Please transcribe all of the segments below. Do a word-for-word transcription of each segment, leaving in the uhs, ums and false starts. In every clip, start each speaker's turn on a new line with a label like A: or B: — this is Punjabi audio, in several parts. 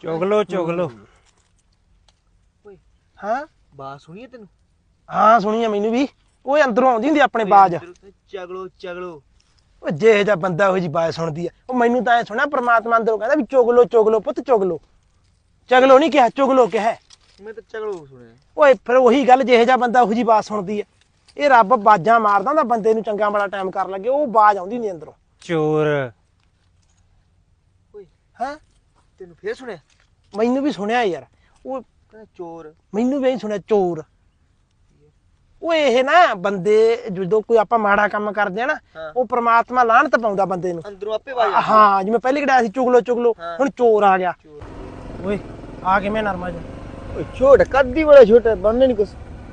A: ਚੁਗਲੋ ਚੁਗਲੋ
B: ਓਏ
C: ਹਾਂ
B: ਬਾਤ ਸੁਣੀਏ ਤੈਨੂੰ?
C: ਹਾਂ ਸੁਣੀ ਆ ਮੈਨੂੰ ਵੀ। ਓਏ ਅੰਦਰੋਂ ਆਉਂਦੀ ਹੁੰਦੀ ਆਪਣੇ ਬਾਜ।
B: ਚਗਲੋ ਚਗਲੋ
C: ਓ ਜਿਹੇ ਜਿਹਾ ਬੰਦਾ ਉਹੋ ਜੀ ਬਾਜ ਸੁਣਦੀ ਆ। ਉਹ ਮੈਨੂੰ ਤਾਂ ਐ ਸੁਣਿਆ ਪ੍ਰਮਾਤਮਾ ਅੰਦਰੋਂ ਕਹਿੰਦਾ ਵੀ ਚੁਗਲੋ ਚੁਗਲੋ ਪੁੱਤ ਚੁਗਲੋ। ਚਗਲੋ ਨਹੀਂ ਕਿਹਾ, ਚੁਗਲੋ ਕਿਹਾ।
B: ਮੈਂ ਤਾਂ ਚਗਲੋ ਸੁਣਿਆ।
C: ਓਏ ਫਿਰ ਉਹੀ ਗੱਲ, ਜਿਹੇ ਜਿਹਾ ਬੰਦਾ ਉਹੋ ਜੀ ਬਾਜ ਸੁਣਦੀ ਆ। ਇਹ ਰੱਬ ਬਾਜਾਂ ਮਾਰਦਾ ਹੁੰਦਾ ਬੰਦੇ ਨੂੰ ਚੰਗਾ ਮਾੜਾ ਟਾਈਮ ਕਰਨ ਲੱਗੇ, ਉਹ ਬਾਜ ਆਉਂਦੀ ਹੁੰਦੀ ਅੰਦਰੋਂ।
A: ਚੋਰ।
B: ਓਏ
C: ਹਾਂ
B: ਤੈਨੂੰ ਫੇਰ ਸੁਣਿਆ?
C: ਮੈਨੂੰ ਵੀ ਸੁਣਿਆ ਯਾਰ। ਉਹ
B: ਕਹਿੰਦਾ ਚੋਰ।
C: ਮੈਨੂੰ ਵੀ ਸੁਣਿਆ ਚੋਰ। ਓਏ ਇਹ ਨਾ ਬੰਦੇ ਜਦੋਂ ਕੋਈ ਆਪਾਂ ਮਾੜਾ ਕੰਮ ਕਰਦੇ ਆ ਨਾ, ਉਹ ਪ੍ਰਮਾਤਮਾ ਲਾਹਨਤ ਪਾਉਂਦਾ ਬੰਦੇ ਨੂੰ
B: ਅੰਦਰੋਂ ਆਪੇ ਵਾਜ
C: ਹਾਂ। ਜਿਵੇਂ ਪਹਿਲੇ ਕਿਹੜਾ ਸੀ ਚੁਗਲੋ ਚੁਗਲੋ, ਹੁਣ ਚੋਰ ਆ ਗਿਆ।
B: ਚੋਰ।
C: ਓਏ ਆ ਕਿਵੇਂ ਨਰਮਾ ਜਾ?
B: ਓਏ ਛੋਟ ਕੱਦੀ ਬੜਾ ਛੋਟਾ ਬਣਨੇ ਨਹੀਂ ਕੁਛ।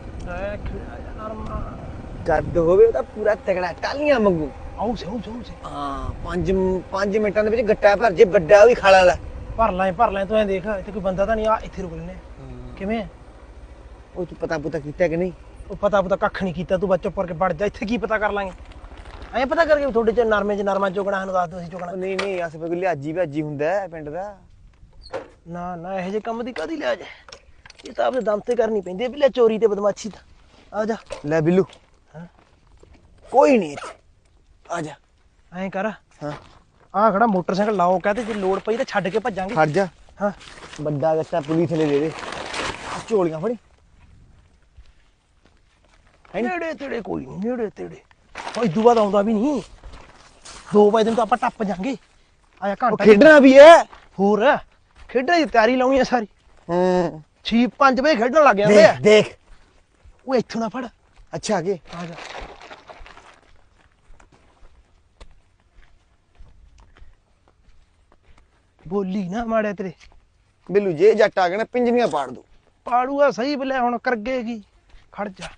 C: ਨਰਮਾ
B: ਕੱਦ ਹੋਵੇ ਉਹਦਾ ਪੂਰਾ ਤਗੜਾ, ਟਾਲੀਆਂ ਮੰਗੂ।
C: ਆਉ ਸੇ ਆਉ ਸੇ
B: ਹਾਂ ਪੰਜ ਪੰਜ ਮਿੰਟਾਂ ਦੇ ਵਿੱਚ ਗੱਟਾ ਭਰ ਜੇ, ਵੱਡਾ ਵੀ ਖਾਲਾ ਵਾਲਾ।
C: ਭਰ ਲੈ ਭਰ ਲੈ। ਤੂੰ ਐ ਦੇਖ ਇੱਥੇ ਕੋਈ ਬੰਦਾ ਤਾਂ ਨਹੀਂ। ਆ ਇੱਥੇ ਰੁਕ ਲੈਨੇ ਕਿਵੇਂ?
B: ਉਹ ਤੂੰ ਪਤਾ ਪੁਤਾ ਕੀਤਾ ਕਿ ਨਹੀਂ?
C: ਉਹ ਪਤਾ ਪਤਾ ਕੱਖ ਨਹੀਂ ਕੀਤਾ। ਤੂੰ ਬੱਚਾ ਪਰ ਕੇ ਵੜ ਜਾ। ਇੱਥੇ ਕੀ ਪਤਾ ਕਰ ਲਾਂਗੇ? ਐਂ ਪਤਾ ਕਰਕੇ ਤੁਹਾਡੇ ਚ ਨਰਮੇ ਚ ਨਰਮਾ ਚੁਗਣਾ ਸਾਨੂੰ ਦੱਸ ਦੋ ਅਸੀਂ ਚੁਗਣਾ।
B: ਨਹੀਂ ਨਹੀਂ ਅਸ ਕੋਈ ਲਿਆਜੀ ਭਾਜੀ ਹੁੰਦਾ ਪਿੰਡ ਦਾ।
C: ਨਾ ਨਾ ਇਹੋ ਜਿਹੇ ਕੰਮ ਦੀ ਕਾਹਦੀ ਲਿਆ ਜਾ। ਇਹ ਤਾਂ ਆਪਣੇ ਦਮ ਤੇ ਕਰਨੀ ਪੈਂਦੀ ਹੈ। ਵੀ ਲੈ ਚੋਰੀ ਤੇ ਬਦਮਾਸ਼ੀ ਤਾਂ ਆ ਜਾ।
B: ਲੈ ਬਿੱਲੂ
C: ਹਾਂ
B: ਕੋਈ ਨਹੀਂ ਇੱਥੇ ਆ ਜਾ।
C: ਐਂ ਕਰ
B: ਹਾਂ
C: ਆ ਖੜਾ ਮੋਟਰਸਾਈਕਲ ਲਾਓ, ਕਹਤੇ ਜੇ ਲੋੜ ਪਈ ਤਾਂ ਛੱਡ ਕੇ ਭੱਜਾਂਗੇ।
B: ਖੜ ਜਾ।
C: ਹਾਂ
B: ਵੱਡਾ ਗੱਟਾ ਪੁਲਿਸ ਨੇ ਦੇ ਦੇ। ਝੋਲੀਆਂ ਫੜੀ।
C: ਨੇੜੇ ਤੇੜੇ ਕੋਈ ਨਹੀਂ, ਨੇੜੇ ਤੇੜੇ ਕੋਈ ਇਦੂ ਬਾਅਦ ਆਉਂਦਾ ਵੀ ਨਹੀਂ। ਦੋ ਵਜੇ ਤੋਂ ਆਪਾਂ ਟੱਪ ਜਾਾਂਗੇ। ਆਇਆ ਘੰਟਾ
B: ਖੇਡਣਾ ਵੀ ਹੈ।
C: ਹੋਰ ਖੇਡਣ ਦੀ ਤਿਆਰੀ ਲਾਉਣੀ ਆ ਸਾਰੀ।
B: ਹਾਂ
C: ਛੇ ਪੰਜ ਵਜੇ ਖੇਡਣ ਲੱਗ ਜਾਂਦੇ ਆ।
B: ਦੇਖ ਦੇਖ।
C: ਉਹ ਇੱਥੋਂ ਨਾ ਫੜ।
B: ਅੱਛਾ ਅੱਗੇ
C: ਆ ਜਾ। ਬੋਲੀ ਨਾ ਮਾੜਿਆ ਤੇਰੇ।
B: ਬਿੱਲੂ ਜੇ ਜੱਟ ਆ ਗਿਆ ਨਾ ਪਿੰਜਣੀਆਂ ਪਾੜ ਦੂ।
C: ਪਾੜੂਆ ਸਹੀ ਬਲੇ ਹੁਣ ਕਰਗੇਗੀ। ਖੜ ਜਾ।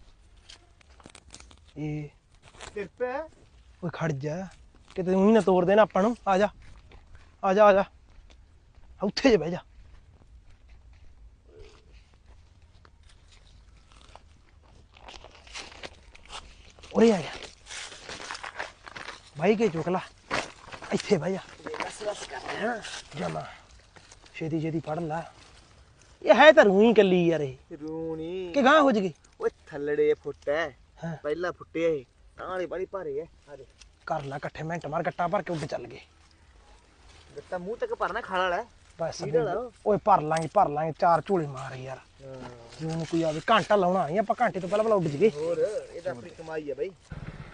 C: ਇਹ
B: ਕਿਰਪਾ
C: ਓਏ ਖੜ ਜਾ, ਕਿਤੇ ਉਹੀ ਨਾ ਤੋੜ ਦੇਣਾ ਆਪਾਂ ਨੂੰ। ਆ ਜਾ ਆ ਜਾ ਆ ਜਾ। ਉੱਥੇ ਜੇ ਬਹਿ ਜਾ। ਉਰੇ ਆ ਜਾ। ਬਾਈ ਕੇ ਚੁੱਕ ਲਾ। ਇੱਥੇ ਬਹਿ ਜਾ।
B: ਬਸ ਬਸ ਕਰ ਰਿਹਾ
C: ਜਮਾ ਛੇਤੀ ਛੇਤੀ ਫੜ ਲਾ। ਇਹ ਹੈ ਤਾਂ ਰੂਹੀ ਕੱਲੀ ਯਾਰ। ਇਹ
B: ਰੂਣੀ
C: ਕਿ ਗਾਂ ਹੋ ਜਗੇ।
B: ਓਏ ਥੱਲੜੇ ਫੁੱਟ ਹੈ।
C: ਹਾਂ
B: ਪਹਿਲਾ ਫੁੱਟਿਆ ਇਹ ਤਾਂ ਵਾਲੀ ਬੜੀ ਭਾਰੀ ਹੈ। ਆ ਦੇ
C: ਕਰ ਲਾ ਇਕੱਠੇ ਮਿੰਟ ਮਾਰ ਗੱਟਾ ਭਰ ਕੇ ਉੱਡ ਚੱਲ ਗਏ।
B: ਗੱਟਾ ਮੂੰਹ ਤੱਕ ਭਰਨਾ ਖਾਲਾ ਵਾਲਾ।
C: ਬਸ
B: ਠੀਕ ਆ ਨਾ?
C: ਓਏ ਭਰ ਲਾਂਗੇ ਭਰ ਲਾਂਗੇ। ਚਾਰ ਝੋਲੇ ਮਾਰ ਯਾਰ। ਜਿਉਂ ਕੋਈ ਆਵੇ ਘੰਟਾ ਲਾਉਣਾ ਨਹੀਂ ਆਪਾਂ। ਘੰਟੇ ਤੋਂ ਪਹਿਲਾਂ ਪਹਿਲਾਂ ਉੱਡ ਜਗੇ।
B: ਹੋਰ ਇਹ ਤਾਂ ਆਪਣੀ ਕਮਾਈ ਹੈ ਬਈ।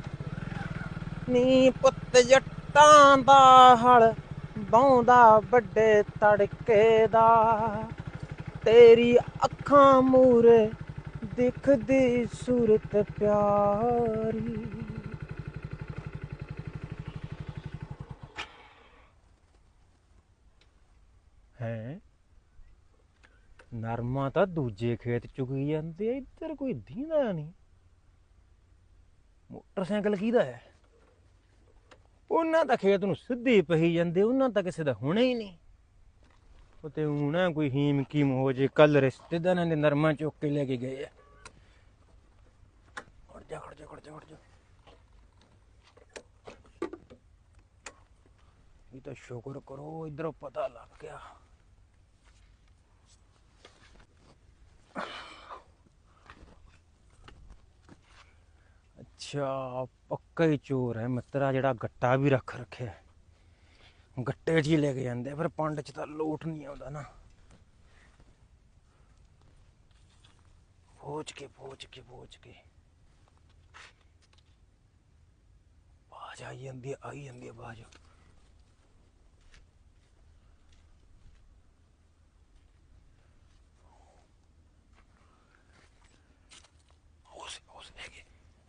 C: ਨੀ ਪੁੱਤ ਜੱਟਾਂ ਦਾ ਹਲ ਬਾਉਂਦਾ ਵੱਡੇ ਤੜਕੇ ਦਾ, ਤੇਰੀ ਅੱਖਾਂ ਮੂਰੇ ਦਿਖਦੀ ਸੂਰਤ ਪਿਆਰੀ।
A: ਹੈ ਨਰਮਾ ਤਾਂ ਦੂਜੇ ਖੇਤ ਚੁਗੀ ਜਾਂਦੇ ਆ, ਇੱਧਰ ਕੋਈ ਦੀਂਦਾ ਨਹੀਂ। ਮੋਟਰਸਾਈਕਲ ਕਿਹਦਾ ਹੈ? ਉਹਨਾਂ ਤਾਂ ਖੇਤ ਨੂੰ ਸਿੱਧੇ ਪਹੀ ਜਾਂਦੇ, ਉਹਨਾਂ ਤਾਂ ਕਿਸੇ ਦਾ ਹੋਣਾ ਹੀ ਨਹੀਂ। ਉਹ ਤੇ ਊਂ ਨਾ ਕੋਈ ਹੀਮ ਕੀਮ ਹੋ ਜੇ। ਕੱਲ ਰਿਸ਼ਤੇਦਾਰਾਂ ਦੇ ਨਰਮਾ ਚੁੱਕ ਕੇ ਲੈ ਕੇ ਗਏ ਆ। ਖੜ ਜਾ ਖੜ ਜਾ ਖੜ ਜਾ ਖੜ ਜਾ। ਇਹ ਤਾਂ ਸ਼ੁਕਰ ਕਰੋ ਇੱਧਰੋਂ ਪਤਾ ਲੱਗ ਗਿਆ। ਅੱਛਾ ਪੱਕਾ ਹੀ ਚੋਰ ਹੈ ਮਿੱਤਰਾ, ਜਿਹੜਾ ਗੱਟਾ ਵੀ ਰੱਖ ਰੱਖਿਆ। ਗੱਟੇ 'ਚ ਹੀ ਲੈ ਕੇ ਜਾਂਦੇ, ਫਿਰ ਪੰਡ 'ਚ ਤਾਂ ਲੋਟ ਨਹੀਂ ਆਉਂਦਾ ਨਾ। ਪਹੁੰਚ ਕੇ ਪਹੁੰਚ ਕੇ ਪਹੁੰਚ ਕੇ ਆਵਾਜ਼ ਆਈ ਜਾਂਦੀ ਹੈ, ਆਈ ਜਾਂਦੀ ਹੈ ਆਵਾਜ਼। ਉਸ ਉਸ ਹੈਗੇ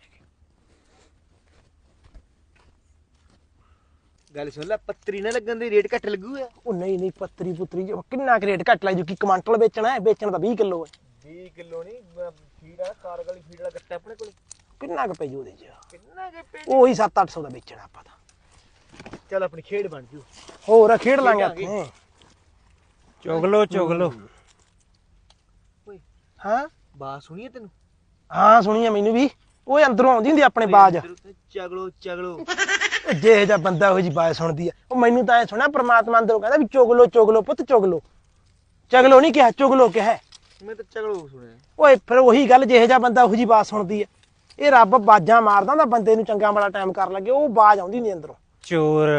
B: ਗੱਲ ਸੁਣ ਲੈ, ਪੱਤਰੀ ਨਾ ਲੱਗਣ ਦੀ ਰੇਟ ਘੱਟ ਲੱਗੂਗਾ।
C: ਉਹ ਨਹੀਂ ਨਹੀਂ ਪੱਤਰੀ ਪੁੱਤਰੀ ਜੋ ਕਿੰਨਾ ਕੁ ਰੇਟ ਘੱਟ ਲੱਗ ਜੂ। ਕੀ ਕੁਆਂਟਲ ਵੇਚਣਾ ਹੈ? ਵੇਚਣਾ ਤਾਂ ਵੀਹ ਕਿਲੋ ਹੈ।
B: ਵੀਹ ਕਿਲੋ ਨਹੀਂ ਫੀਡ ਆ, ਕਾਰ ਵਾਲੀ ਫੀਡ ਵਾਲਾ ਗੱਟਾ ਆਪਣੇ ਕੋਲ।
C: ਕਿੰਨਾ ਕੁ ਪੈ ਜੂ ਉਹਦੇ 'ਚ?
B: ਕਿੰਨਾ ਕੇ ਪੇ
C: ਉਹੀ ਸੱਤ ਅੱਠ ਸੌ ਦਾ ਵੇਚਣਾ ਆਪਾਂ ਤਾਂ।
B: ਚੱਲ ਆਪਣੀ ਖੇਡ ਬਣ ਜੂ।
C: ਹੋਰ ਖੇਡ ਲਾਂਗੇ ਆਪਾਂ।
A: ਚੁਗਲੋ ਚੁਗਲੋ।
B: ਓਏ
C: ਹਾਂ
B: ਬਾਤ ਸੁਣੀਏ ਤੈਨੂੰ?
C: ਹਾਂ ਸੁਣੀ ਆ ਮੈਨੂੰ ਵੀ। ਓਏ ਅੰਦਰੋਂ ਆਉਂਦੀ ਹੁੰਦੀ ਆਪਣੇ ਬਾਜ।
B: ਚਗਲੋ ਚਗਲੋ
C: ਜਿਹੇ ਜਿਹਾ ਬੰਦਾ ਉਹੋ ਜੀ ਬਾਜ ਸੁਣਦੀ ਆ। ਉਹ ਮੈਨੂੰ ਤਾਂ ਐ ਸੁਣਿਆ ਪ੍ਰਮਾਤਮਾ ਅੰਦਰੋਂ ਕਹਿੰਦਾ ਵੀ ਚੁਗਲੋ ਚੁਗਲੋ ਪੁੱਤ ਚੁਗਲੋ। ਚਗਲੋ ਨਹੀਂ ਕਿਹਾ, ਚੁਗਲੋ ਕਿਹਾ।
B: ਮੈਂ ਤਾਂ ਚਗਲੋ ਸੁਣਿਆ।
C: ਓਏ ਫਿਰ ਉਹੀ ਗੱਲ, ਜਿਹੇ ਜਿਹਾ ਬੰਦਾ ਉਹੋ ਜੀ ਬਾਤ ਸੁਣਦੀ ਹੈ। ਇਹ ਰੱਬ ਬਾਜਾਂ ਮਾਰਦਾ ਹੁੰਦਾ ਬੰਦੇ ਨੂੰ, ਚੰਗਾ ਮਾੜਾ ਟਾਈਮ ਕਰਨ ਲੱਗੇ ਉਹ ਬਾਜ ਆਉਂਦੀ ਨਹੀਂ ਅੰਦਰੋਂ।
A: ਚੋਰ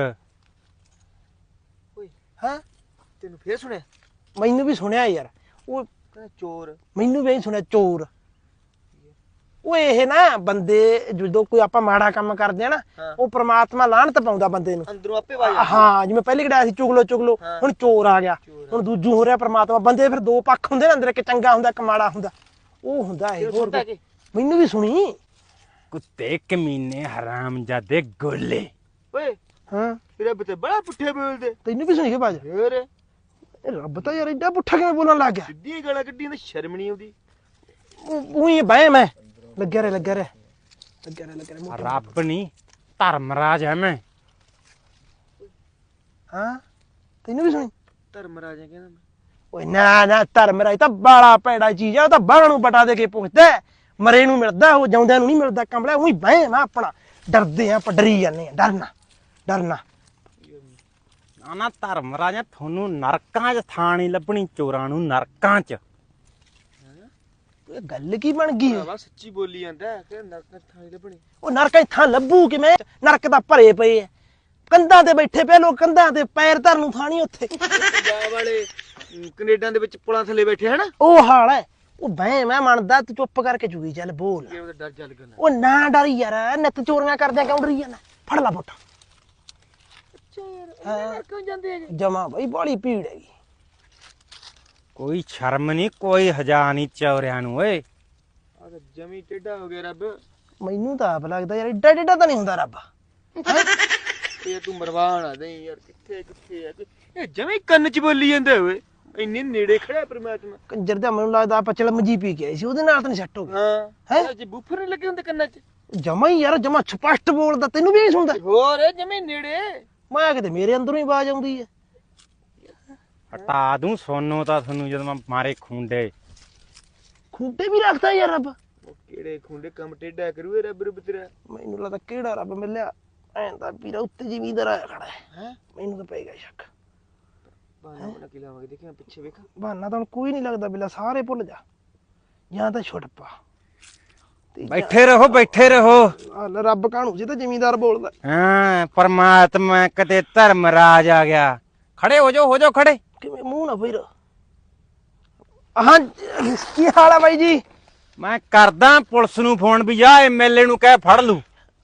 B: ਓਏ
C: ਹਾਂ
B: ਤੈਨੂੰ ਫੇਰ ਸੁਣਿਆ?
C: ਮੈਨੂੰ ਵੀ ਸੁਣਿਆ ਯਾਰ, ਉਹ
B: ਕਹਿੰਦਾ ਚੋਰ।
C: ਮੈਨੂੰ ਵੀ ਸੁਣਿਆ ਚੋਰ। ਓਏ ਇਹ ਨਾ ਬੰਦੇ ਜਦੋਂ ਕੋਈ ਆਪਾਂ ਮਾੜਾ ਕੰਮ ਕਰਦੇ ਆ ਨਾ, ਉਹ ਪ੍ਰਮਾਤਮਾ ਲਾਹਨਤ ਪਾਉਂਦਾ ਬੰਦੇ ਨੂੰ
B: ਅੰਦਰੋਂ ਆਪੇ ਵਾਜ
C: ਹਾਂ। ਜਿਵੇਂ ਪਹਿਲੇ ਕਿਹੜਾ ਸੀ ਚੁਗਲੋ ਚੁਗਲੋ, ਹੁਣ ਚੋਰ ਆ ਗਿਆ, ਹੁਣ ਦੂਜੂ ਹੋ ਰਿਹਾ ਪ੍ਰਮਾਤਮਾ। ਬੰਦੇ ਦੇ ਫਿਰ ਦੋ ਪੱਖ ਹੁੰਦੇ ਨੇ ਅੰਦਰ, ਇੱਕ ਚੰਗਾ ਹੁੰਦਾ ਇੱਕ ਮਾੜਾ ਹੁੰਦਾ। ਉਹ ਹੁੰਦਾ ਇਹ। ਹੋਰ
B: ਸੁਣਦਾ ਕੀ?
C: ਮੈਨੂੰ ਵੀ ਸੁਣੀ।
A: ਕੁੱਤੇ ਕਮੀਨੇ ਹਰਾਮਜ਼ਾਦੇ ਗੋਲੇ।
B: ਓਏ
C: ਹਾਂ
B: ਰੱਬ ਤੇ ਬੜਾ ਪੁੱਠੇ ਬੋਲਦੇ।
C: ਤੈਨੂੰ ਵੀ ਸੁਣੀ ਕੇ ਬਾਜ?
B: ਫੇਰ
C: ਇਹ ਰੱਬ ਤਾਂ ਯਾਰ ਏਡਾ ਪੁੱਠਾ ਕਿਵੇਂ ਬੋਲਣ ਲੱਗ ਗਿਆ?
B: ਸਿੱਧੀਆਂ ਗਾਲਾਂ ਕੱਢੀਆਂ ਤਾਂ ਸ਼ਰਮ ਨਹੀਂ ਆਉਂਦੀ।
C: ਉਹੀ ਬਹਿ ਮੈਂ ਲੱਗਿਆ ਰੇ ਲੱਗਿਆ ਰੇ ਲੱਗਿਆ ਰੇ ਲੱਗਿਆ ਰੇ।
A: ਰੱਬ ਨਹੀਂ ਧਰਮਰਾਜ ਐ ਮੈਂ।
C: ਹਾਂ ਤੈਨੂੰ ਵੀ ਸੁਣੀ?
B: ਧਰਮ ਰਾਜਾ ਕਹਿੰਦਾ ਮੈਂ।
C: ਓਏ ਨਾ ਨਾ ਧਰਮਰਾਜ ਤਾਂ ਬਾਲਾ ਭੈੜਾ ਚੀਜ਼ ਆ। ਉਹ ਤਾਂ ਬਾਹਰ ਨੂੰ ਬਟਾ ਦੇ ਕੇ ਪੁੱਛਦਾ, ਮਰੇ ਨੂੰ ਮਿਲਦਾ, ਉਹ ਜਿਉਂਦਿਆਂ ਨੂੰ ਨਹੀਂ ਮਿਲਦਾ। ਕੰਬਲਾ ਉਹੀ ਬਹਿ ਮੈਂ ਆਪਣਾ। ਡਰਦੇ ਆ ਆਪਾਂ, ਡਰੀ ਜਾਂਦੇ ਆ। ਡਰਨਾ ਡਰਨਾ
A: ਨਾ ਨਾ ਧਰਮਰਾਜ, ਤੁਹਾਨੂੰ ਨਰਕਾਂ 'ਚ ਥਾਂ ਨਹੀਂ ਲੱਭਣੀ, ਚੋਰਾਂ ਨੂੰ ਨਰਕਾਂ 'ਚ।
C: ਇਹ ਗੱਲ ਕੀ ਬਣ ਗਈ?
B: ਭਰਾਵਾ ਸੱਚੀ ਬੋਲੀ ਜਾਂਦਾ ਕਿ ਨਰਕ ਥਾਂ ਹੀ ਲੱਭਣੀ।
C: ਉਹ ਨਰਕਾਂ 'ਚ ਥਾਂ ਲੱਭੂ ਕਿਵੇਂ? ਨਰਕ ਤਾਂ ਭਰੇ ਪਏ ਆ, ਕੰਧਾਂ ਤੇ ਬੈਠੇ ਪਏ ਲੋਕ, ਕੰਧਾਂ ਤੇ ਪੈਰ ਧਰਨ ਨੂੰ ਥਾਂ ਨਹੀਂ ਉੱਥੇ।
B: ਪੰਜਾਬ ਵਾਲੇ ਕੈਨੇਡਾ ਦੇ ਵਿੱਚ ਪੁਲਾਂ ਥੱਲੇ ਬੈਠੇ ਹਨ।
C: ਉਹ ਹਾਲ ਹੈ। ਉਹ ਬਹਿ ਮੈਂ ਮੰਨਦਾ, ਤੂੰ ਚੁੱਪ ਕਰਕੇ ਚੁਗੀ ਚੱਲ ਬੋਲ।
B: ਇਹ ਉਹਦਾ ਡਰ ਜਲ ਕਰਨਾ।
C: ਉਹ ਨਾ ਡਰੀ ਯਾਰ, ਨਿੱਤ ਚੋਰੀਆਂ ਕਰਦਿਆਂ ਕਿਉਂ ਡਰੀ ਜਾਂਦਾ? ਫੜ ਲਾ ਬੋਟਾ।
B: ਅੱਛਾ ਯਾਰ ਨਰਕਾਂ ਜਾਂਦੇ ਹੈਗੇ।
C: ਜਮਾ ਬਈ ਬਾਲੀ ਭੀੜ ਹੈਗੀ।
A: ਕੋਈ ਸ਼ਰਮ ਨਹੀਂ, ਕੋਈ ਹਜਾ ਨਹੀਂ ਚੋਰਿਆਂ ਨੂੰ। ਓਏ
B: ਆ ਤਾਂ ਜਮੀ ਟੇਢਾ ਹੋ ਗਿਆ ਰੱਬ।
C: ਮੈਨੂੰ ਤਾਂ ਆਪ ਲੱਗਦਾ ਯਾਰ ਏਡਾ ਟੇਢਾ ਤਾਂ ਨਹੀਂ ਹੁੰਦਾ ਰੱਬ।
B: ਇਹ ਤੂੰ ਮਰਵਾ ਨਾ ਦੇ ਯਾਰ। ਕਿੱਥੇ ਕਿੱਥੇ ਆ ਇਹ? ਜਮੀ ਕੰਨ 'ਚ ਬੋਲੀ ਜਾਂਦਾ ਓਏ। ਇੰਨੇ ਨੇੜੇ ਖੜਾ ਪਰਮਾਤਮਾ।
C: ਕੰਜਰ ਦਾ ਮੈਨੂੰ ਲੱਗਦਾ ਆਪਾਂ ਚਲਮ ਜੀ ਪੀ ਕੇ ਆਏ ਸੀ, ਉਹਦੇ ਨਾਲ ਤਾਂ ਨਹੀਂ ਸੈੱਟ ਹੋ ਗਿਆ।
B: ਹਾਂ
C: ਹੈਂ?
B: ਜੇ ਬੂਫਰ ਨਹੀਂ ਲੱਗੇ ਹੁੰਦੇ ਕੰਨਾਂ 'ਚ।
C: ਜਮਾ ਹੀ ਯਾਰ, ਜਮਾ ਸਪਸ਼ਟ ਬੋਲਦਾ। ਤੈਨੂੰ ਵੀ ਨਹੀਂ ਸੁਣਦਾ?
B: ਹੋਰ ਜਮੀ ਨੇੜੇ।
C: ਮੈਂ ਕਿਤੇ ਮੇਰੇ ਅੰਦਰੋਂ ਹੀ ਆਵਾਜ਼ ਆਉਂਦੀ ਹੈ।
A: ਹਟਾ ਦੂੰ ਸੋਨੋ ਤਾਂ ਤੁਹਾਨੂੰ ਜਦੋਂ ਮੈਂ ਮਾਰੇ ਖੁੰਡੇ।
C: ਖੂਟੇ ਵੀ ਰੱਖਦਾ ਯਾਰ ਰੱਬ।
B: ਉਹ ਕਿਹੜੇ ਖੁੰਡੇ ਕੰਮ ਟੇਢਾ ਕਰੂ ਇਹ ਰੱਬ ਰੱਬ ਤੇਰਾ।
C: ਮੈਨੂੰ ਲੱਗਦਾ ਕਿਹੜਾ ਰੱਬ ਮਿਲਿਆ ਐਂ ਤਾਂ ਵੀਰਾ ਉੱਤੇ ਜ਼ਿਮੀਂਦਾਰ ਆਇਆ ਖੜਾ ਹੈ।
B: ਹੈ
C: ਮੈਨੂੰ ਤਾਂ ਪਏਗਾ ਸ਼ੱਕ।
B: ਬਾਣਾ ਬਣਾ ਕੇ ਲਾਵਾਂਗੇ, ਦੇਖਿਆ ਪਿੱਛੇ ਵੇਖ।
C: ਬਹਾਨਾ ਤਾਂ ਹੁਣ ਕੋਈ ਨਹੀਂ ਲੱਗਦਾ ਬਿਲਾ, ਸਾਰੇ ਭੁੱਲ ਜਾ ਜਾਂ ਤਾਂ ਛੁੱਟ ਪਾ। ਤੇ ਜਾਂ-
A: ਬੈਠੇ ਰਹੋ ਬੈਠੇ ਰਹੋ।
C: ਆ ਲੈ ਰੱਬ ਕਾਹਨੂੰ ਸੀ ਤਾਂ ਜ਼ਿਮੀਂਦਾਰ ਬੋਲਦਾ।
A: ਹਾਂ ਪਰਮਾਤਮਾ ਕਦੇ ਧਰਮਰਾਜ ਆ ਗਿਆ। ਖੜੇ ਹੋ ਜਾਓ ਹੋ ਜਾਓ ਖੜੇ।
C: ਕਿਵੇਂ ਮੂੰਹ ਨਾ ਫੇਰ। ਹਾਂ ਕੀ ਹਾਲ ਆ ਬਾਈ ਜੀ?
A: ਮੈਂ ਕਰਦਾ ਪੁਲਿਸ ਨੂੰ ਫੋਨ ਵੀ ਜਾ ਐਮਐਲਏ ਨੂੰ ਕਹਿ ਫੜ ਲੂ।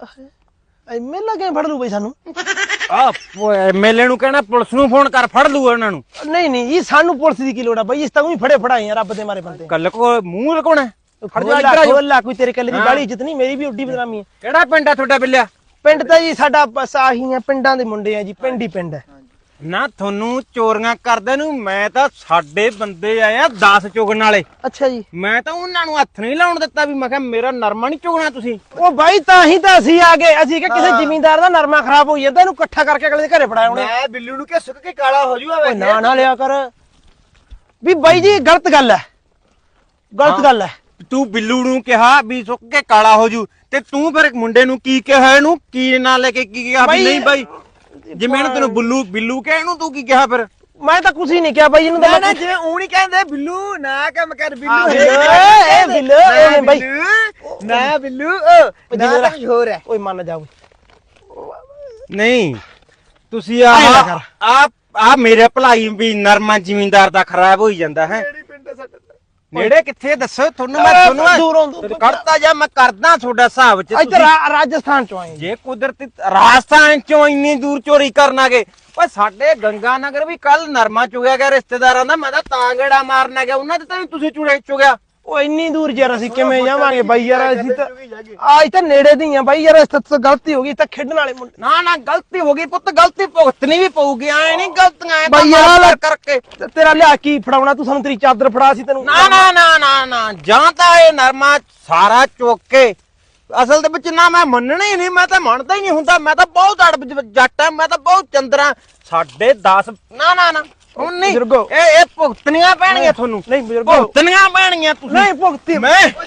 C: ਐਮਐਲਏ ਕਿਵੇਂ ਫੜ ਲੂ ਬਈ ਸਾਨੂੰ?
A: ਆ ਐਮਐਲਏ ਨੂੰ ਕਹਿਣਾ ਪੁਲਿਸ ਨੂੰ ਫੋਨ ਕਰ, ਫੜ ਲੂ ਉਹਨਾਂ ਨੂੰ।
C: ਨਹੀਂ ਨਹੀਂ ਜੀ, ਸਾਨੂੰ ਪੁਲਿਸ ਦੀ ਕੀ ਲੋੜ ਆ ਬਾਈ? ਇਸ ਤਾਂ ਉਹੀ ਫੜੇ ਫੜਾਏ ਆ ਰੱਬ ਦੇ ਮਾਰੇ ਬੰਦੇ।
A: ਕੱਲ ਕੋ ਮੂੰਹ ਲਗਾਉਣਾ। ਖੜ ਜਾ
C: ਖੋਲਾ
A: ਇੱਧਰ ਆ ਜਾਓ।
C: ਖੋਲਾ, ਕੋਈ ਤੇਰੇ ਕੱਲੇ ਦੀ ਬਾਲੀ ਇੱਜ਼ਤ ਨਹੀਂ, ਮੇਰੀ ਵੀ ਉੱਡੀ ਬਦਨਾਮੀ ਹੈ।
A: ਕਿਹੜਾ ਪਿੰਡ ਆ ਤੁਹਾਡਾ ਬਿੱਲਿਆ?
C: ਪਿੰਡ ਤਾਂ ਜੀ ਸਾਡਾ ਬਸ ਆਹੀ ਆ, ਪਿੰਡਾਂ ਦੇ ਮੁੰਡੇ ਆ ਜੀ, ਪਿੰਡ ਹੀ ਪਿੰਡ ਹੈ।
A: ਨਾ ਤੁਹਾਨੂੰ ਚੋਰੀਆਂ ਕਰਦੇ ਨੂੰ ਮੈਂ ਤਾਂ ਸਾਡੇ ਬੰਦੇ ਆਏ ਆ ਦਸ ਚੁਗਣ ਵਾਲੇ।
C: ਅੱਛਾ ਜੀ।
A: ਮੈਂ ਤਾਂ ਉਹਨਾਂ ਨੂੰ ਹੱਥ ਨਹੀਂ ਲਾਉਣ ਦਿੱਤਾ ਵੀ ਮੈਂ ਕਿਹਾ ਮੇਰਾ ਨਰਮਾ ਨਹੀਂ ਚੁਗਣਾ ਤੁਸੀਂ।
C: ਉਹ ਬਾਈ ਤਾਂ ਹੀ ਤਾਂ ਅਸੀਂ ਆ ਗਏ। ਅਸੀਂ ਕਿ ਕਿਸੇ ਜ਼ਿਮੀਂਦਾਰ ਦਾ ਨਰਮਾ ਖਰਾਬ ਹੋਈ ਜਾਂਦਾ, ਇਹਨੂੰ ਇਕੱਠਾ ਕਰਕੇ ਅਗਲੇ ਦੇ ਘਰੇ ਫੜਾਇਆ ਉਹਨੇ।
B: ਮੈਂ ਬਿੱਲੂ ਨੂੰ ਕਿ ਸੁੱਕ ਕੇ ਕਾਲਾ ਹੋ ਜੂਗਾ।
C: ਓਏ ਨਾ ਨਾ ਲਿਆ ਕਰ ਵੀ ਬਾਈ ਜੀ, ਗਲਤ ਗੱਲ ਹੈ, ਗਲਤ ਗੱਲ ਹੈ।
A: ਤੂੰ ਬਿੱਲੂ ਨੂੰ ਕਿਹਾ ਵੀ ਸੁੱਕ ਕੇ ਕਾਲਾ ਹੋ ਜੂ, ਤੇ ਤੂੰ ਫਿਰ ਮੁੰਡੇ ਨੂੰ ਕੀ ਕਿਹਾ? ਇਹਨੂੰ ਕੀ ਨਾਂ ਲੈ ਕੇ ਕੀ ਕਿਹਾ ਵੀ ਨਹੀਂ ਬਾਈ? ਜਿਵੇਂ ਇਹਨੂੰ ਤੈਨੂੰ ਬਿੱਲੂ ਬਿੱਲੂ ਕਿਹਾ, ਇਹਨੂੰ ਤੂੰ ਕੀ ਕਿਹਾ ਫਿਰ?
C: ਮੈਂ ਤਾਂ ਕੁਝ ਹੀ ਨਹੀਂ ਕਿਹਾ ਬਾਈ, ਇਹਨੂੰ
B: ਨਾ
C: ਤਾਂ
B: ਨਾ ਜਿਵੇਂ ਊਂ ਨਹੀਂ ਕਹਿੰਦੇ ਬਿੱਲੂ ਨਾ ਕੰਮ ਕਰ ਬਿੱਲੂ।
C: ਹਾਂ, ਬਿੱਲੂ, ਇਹ ਬਿੱਲੂ, ਇਹ ਬਾਈ।
B: ਨਾ ਬਿੱਲੂ ਉਹ ਨਾ ਤਾਂ ਕੁਝ ਹੋਰ ਹੈ।
C: ਓਏ ਮੰਨ ਜਾ ਓਏ।
A: ਨਹੀਂ ਤੁਸੀਂ ਆ
C: ਆਏਂ ਨਾ ਕਰ।
A: ਆ ਆ ਮੇਰੇ ਭਲਾਈ ਵੀ ਨਰਮਾ ਜ਼ਿਮੀਂਦਾਰ ਦਾ ਖਰਾਬ ਹੋਈ ਜਾਂਦਾ ਹੈ।
B: ਕਿਹੜੀ ਪਿੰਡ ਹੈ ਸਾਡਾ?
A: ਨੇੜੇ ਕਿੱਥੇ ਦੱਸੋ ਤੁਹਾਨੂੰ? ਮੈਂ
C: ਅਹ,
A: ਤੁਹਾਨੂੰ
C: ਦੂਰੋਂ ਦੂਰ-
A: ਕਰਤਾ ਜਾ, ਮੈਂ ਕਰਦਾ ਤੁਹਾਡਾ ਹਿਸਾਬ ਚ।
C: ਇੱਧਰ ਰਾ- ਰਾਜਸਥਾਨ ਚੋਂ ਆਏ।
A: ਜੇ ਕੁਦਰਤੀ ਰਾਜਸਥਾਨ ਚੋਂ ਇੰਨੀ ਦੂਰ ਚੋਰੀ ਕਰਨ ਆ ਗਏ। ਓਏ ਸਾਡੇ ਗੰਗਾ ਨਗਰ ਵੀ ਕੱਲ ਨਰਮਾ ਚੁਗਿਆ ਗਿਆ ਰਿਸ਼ਤੇਦਾਰਾਂ ਦਾ। ਮੈਂ ਤਾਂ ਤਾਂ ਗੇੜਾ ਮਾਰਨ ਆ ਗਿਆ, ਉਹਨਾਂ ਦੇ ਤਾਂ ਨੀ ਤੁਸੀਂ ਚੁੜੇ ਚੁਗਿਆ।
C: ਉਹ ਇੰਨੀ ਦੂਰ ਯਾਰ ਅਸੀਂ ਕਿਵੇਂ ਜਾਵਾਂਗੇ ਬਾਈ ਯਾਰ? ਅਸੀਂ ਤਾਂ ਆਜ ਤਾਂ ਨੇੜੇ ਦੀ ਆ ਬਾਈ ਯਾਰ। ਇਸ ਤਾਂ ਗਲਤੀ ਹੋ ਗਈ, ਤਾਂ ਖੇਡਣ ਵਾਲੇ ਮੁੰਡੇ।
A: ਨਾ ਨਾ ਗਲਤੀ ਹੋ ਗਈ ਪੁੱਤ, ਗਲਤੀ ਭੁਗਤਣੀ ਵੀ ਪਊਗੀ। ਐ ਨਹੀਂ ਗਲਤੀਆਂ ਐ
C: ਬਾਈ ਯਾਰ
A: ਕਰ ਕਰਕੇ।
C: ਤੇ ਤੇਰਾ ਲਿਆ ਕੀ ਫੜਾਉਣਾ? ਤੂੰ ਸਾਨੂੰ ਤੇਰੀ ਚਾਦਰ ਫੜਾ, ਸੀ ਤੈਨੂੰ
A: ਨਾ ਨਾ ਨਾ ਨਾ ਨਾ ਜਾਂ ਤਾਂ ਇਹ ਨਰਮਾ ਸਾਰਾ ਚੁੱਕ ਕੇ, ਅਸਲ ਦੇ ਵਿੱਚ ਨਾ ਮੈਂ ਮੰਨਣਾ ਹੀ ਨਹੀਂ, ਮੈਂ ਤਾਂ ਮੰਨਦਾ ਹੀ ਨਹੀਂ ਹੁੰਦਾ। ਮੈਂ ਤਾਂ ਬਹੁਤ ਅੜ ਜੱਟ ਆ, ਮੈਂ ਤਾਂ ਬਹੁਤ ਚੰਦਰਾ। ਸਾਡੇ ਦਸ ਨਾ ਨਾ ਨਾ ਹੁਣ ਨਹੀਂ,
C: ਬਜ਼ੁਰਗੋ।
A: ਇਹ ਇਹ ਭੁਗਤਣੀਆਂ ਪੈਣਗੀਆਂ ਤੁਹਾਨੂੰ।
C: ਨਹੀਂ ਬਜ਼ੁਰਗੋ,
A: ਭੁਗਤਣੀਆਂ ਪੈਣਗੀਆਂ ਤੁਸੀਂ।
C: ਨਹੀਂ ਭੁਗਤੀ
A: ਮੈਂ
B: ਓਏ ਸਾਡੇ